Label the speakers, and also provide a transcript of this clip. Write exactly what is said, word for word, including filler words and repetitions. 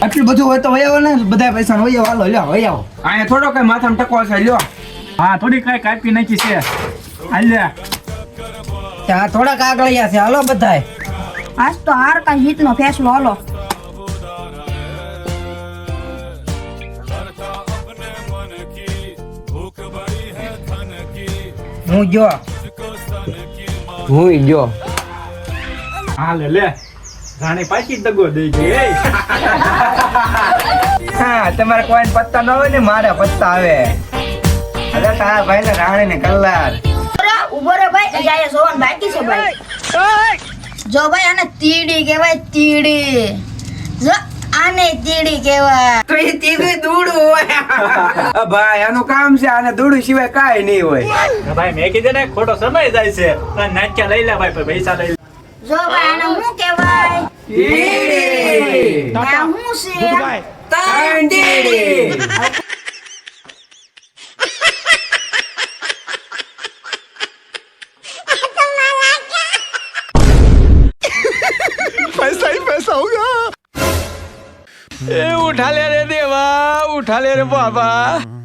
Speaker 1: આટલું બધું હોય તો વયાવો ને બધા પૈસા વયાવો હાલો લ્યો વયાવો
Speaker 2: અહીંયા થોડો કઈ માથામાં ટકો છે લ્યો
Speaker 3: હા થોડી કઈ કાપી નાખી છે હાલ લે
Speaker 1: ત્યાં થોડા કાગળિયા છે હાલો બધાય
Speaker 4: આજ તો હાર કા જીત નો ફેસલો હાલો
Speaker 1: હું જો
Speaker 2: હું જો
Speaker 3: હા લે લે રાણી પાછી દગો દઈ ગઈ એ
Speaker 2: હા તમારે કોઈ પત્તા ન હોય ને મારે પત્તા આવે અરે તારા ભાઈ ને રાણી ને કલાર
Speaker 4: ઉભો રે ભાઈ જાય સોવન બાકી છે ભાઈ જો ભાઈ આને તીડી કહેવાય તીડી જો આને તીડી કહેવાય
Speaker 2: તો એ તીવી દૂડું હોય ભાઈ આનું કામ છે આને દૂડું સિવાય કાઈ નહીં હોય
Speaker 3: ભાઈ મેં કીધું ને ખોટો સમય જાય છે નાચ્યા લઈ લે ભાઈ પૈસા લઈ લે
Speaker 4: જો ભાઈ આને શું કહેવાય
Speaker 2: તીડી
Speaker 4: આ શું છે
Speaker 2: ત્રણ તીડી
Speaker 5: पैसा ही पैसा होगा। ए उठा ले रे देवा, उठा ले रे बाबा।